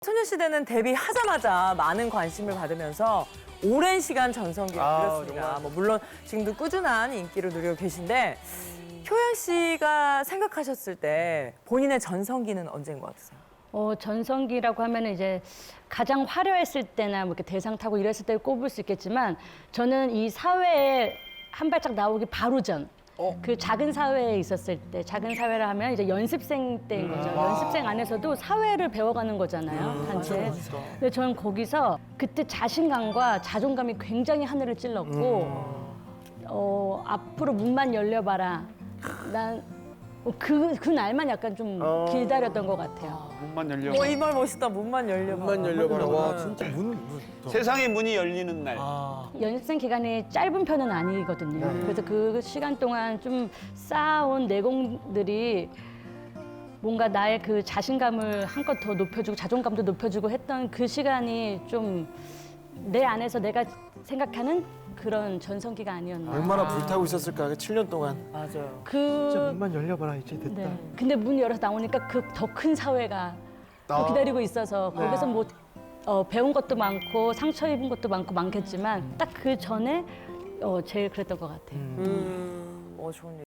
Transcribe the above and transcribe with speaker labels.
Speaker 1: 소녀시대는 데뷔하자마자 많은 관심을 받으면서 오랜 시간 전성기를 누렸습니다. 물론 지금도 꾸준한 인기를 누리고 계신데 효연 씨가 생각하셨을 때 본인의 전성기는 언제인 것 같으세요?
Speaker 2: 전성기라고 하면 이제 가장 화려했을 때나 뭐 이렇게 대상 타고 이랬을 때 꼽을 수 있겠지만 저는 이 사회에 한 발짝 나오기 바로 전. 그 작은 사회에 있었을 때, 작은 사회라 하면 이제 연습생 때인 거죠. 연습생 안에서도 사회를 배워가는 거잖아요, 단체. 근데 저는 거기서 그때 자신감과 자존감이 굉장히 하늘을 찔렀고, 앞으로 문만 열려봐라. 난 그 날만 약간 좀 기다렸던 것 같아요.
Speaker 3: 문만 열려.
Speaker 1: 이 말 멋있다. 문만 열려봐.
Speaker 4: 문만 열려봐라. 와, 진짜
Speaker 3: 세상의 문이 열리는 날.
Speaker 2: 연습생 기간이 짧은 편은 아니거든요. 그래서 그 시간 동안 좀 쌓아온 내공들이 뭔가 나의 그 자신감을 한껏 더 높여주고 자존감도 높여주고 했던 그 시간이 좀 내 안에서 내가 생각하는 그런 전성기가 아니었나.
Speaker 4: 얼마나 불타고 있었을까, 7년 동안.
Speaker 1: 맞아요.
Speaker 4: 진짜 문만 열려봐라, 이제 됐다.
Speaker 2: 네. 근데 문 열어서 나오니까 그 더 큰 사회가 또 기다리고 있어서 거기서 뭐 배운 것도 많고 상처 입은 것도 많고 많겠지만 딱 그 전에 제일 그랬던 것 같아요.
Speaker 1: 좋은